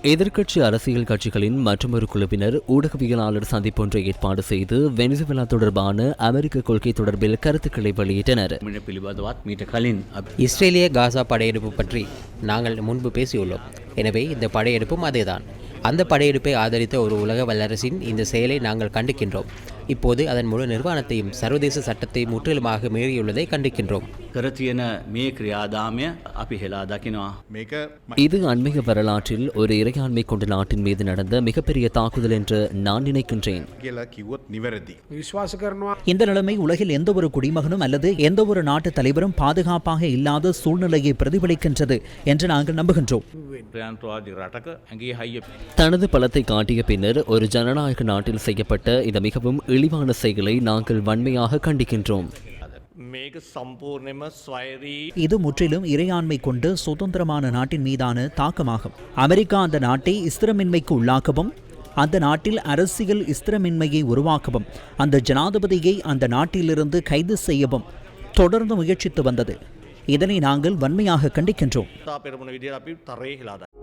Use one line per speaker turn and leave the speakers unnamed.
எதிர்க்கட்சி அரசியல் கட்சிகளின் மற்றொரு குழுவினர் ஊடகவியலாளர் சந்திப்பொன்றை ஏற்பாடு செய்து வெனிசுவேலா தொடர்பான அமெரிக்க கொள்கை தொடர்பில் கருத்துக்களை வெளியிட்டனர்.
இஸ்ரேலிய காசா படையெடுப்பு பற்றி நாங்கள் முன்பு பேசியுள்ளோம். எனவே இந்த படையெடுப்பும் அதேதான். அந்த படையெடுப்பை ஆதரித்த ஒரு உலக வல்லரசின் இந்த செயலை நாங்கள் கண்டிக்கின்றோம். இப்போது அதன் முழு நிர்வாணத்தையும் சர்வதேச சட்டத்தை முற்றிலுமாக மீறியுள்ளதை கண்டிக்கின்றோம்.
இது அண்மைய வரலாற்றில் ஒரு இறையாண்மை கொண்ட நாட்டின் மீது நடந்த மிகப்பெரிய தாக்குதல் என்று நான் நினைக்கின்றேன்.
இந்த நிலைமை உலகில் எந்த ஒரு குடிமகனும் அல்லது எந்த ஒரு நாட்டு தலைவரும் பாதுகாப்பாக இல்லாத சூழ்நிலையை பிரதிபலிக்கின்றது என்று நாங்கள் நம்புகின்றோம்.
தனது பலத்தை காட்டிய பின்னர் ஒரு ஜனநாயக நாட்டில் செய்யப்பட்ட இந்த மிகவும் இழிவான செயலை நாங்கள் வன்மையாக கண்டிக்கின்றோம்.
இது முற்றிலும் இறையாண்மை கொண்டு சுதந்திரமான நாட்டின் மீதான தாக்கமாகும். அமெரிக்கா அந்த நாட்டை ஸ்திரமின்மைக்கு உள்ளாக்கவும், அந்த நாட்டில் அரசியல் ஸ்திரமின்மையை உருவாக்கவும், அந்த ஜனாதிபதியை அந்த நாட்டிலிருந்து கைது செய்யவும் தொடர்ந்து முயற்சித்து வந்தது. இதனை நாங்கள் வன்மையாக கண்டிக்கின்றோம்.